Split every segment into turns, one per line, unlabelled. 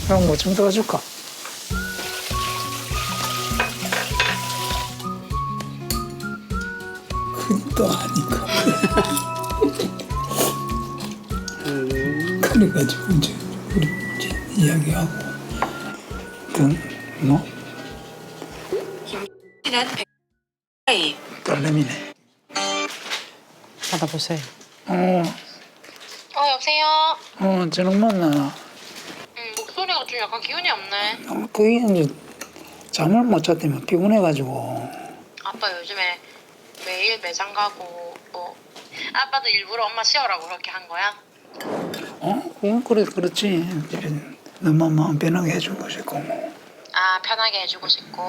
형 뭐 좀 도와줄까? 그것도 아니고. 그래가지고 이제 우리 이제 이야기하고 뭐
는 백이
딸내미네.
받아보세요.
여보세요?
저녁 만나.
목소리가 좀 약간 기운이 없네.
그게 이제 잠을 못 잤다면 피곤해가지고.
아빠 요즘에 매일 매장 가고 뭐 아빠도 일부러 엄마 쉬어라고 그렇게 한 거야?
그건 그렇지. 이제 너만 마음 편하게 해준 것이고 뭐.
아 편하게 해주고 싶고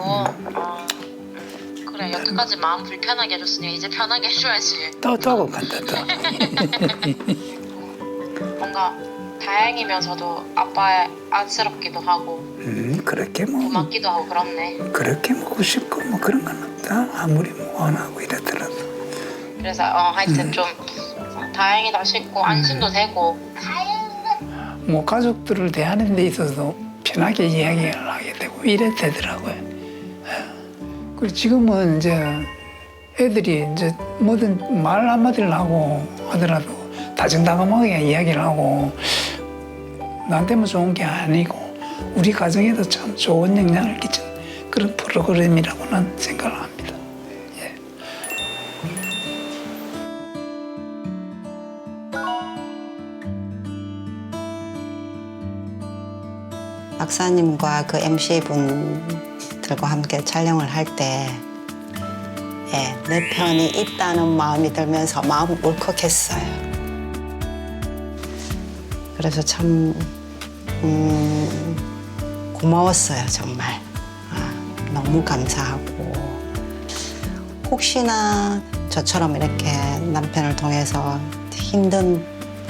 그래 여태까지 마음 불편하게 해줬으니 이제 편하게 해줘야지.
또 간다 또.
뭔가 다행이면서도 아빠 안쓰럽기도 하고
그렇게 뭐
고맙기도 하고 그렇네.
그렇게 먹고 싶고 뭐 그런 건 없다. 아무리 뭐 안 하고 이랬더라도.
그래서 하여튼 좀 다행이다 싶고 안심도 되고.
뭐 가족들을 대하는 데 있어서 편하게 이야기를 하게 되고 이래 되더라고요. 그리고 지금은 이제 애들이 이제 뭐든 말 한마디를 하고 하더라도 다정다감하게 이야기를 하고 나한테만 좋은 게 아니고 우리 가정에도 참 좋은 영향을 끼친 그런 프로그램이라고 난 생각을 합니다. 예.
박사님과 그 MC분들과 함께 촬영을 할 때, 예, 내 편이 있다는 마음이 들면서 마음이 울컥했어요. 그래서 참 고마웠어요, 정말. 너무 감사하고 혹시나 저처럼 이렇게 남편을 통해서 힘든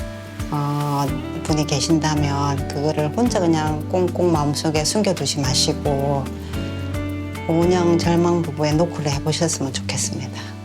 분이 계신다면 그거를 혼자 그냥 꽁꽁 마음속에 숨겨두지 마시고 운영 절망 부부의 노크를 해보셨으면 좋겠습니다.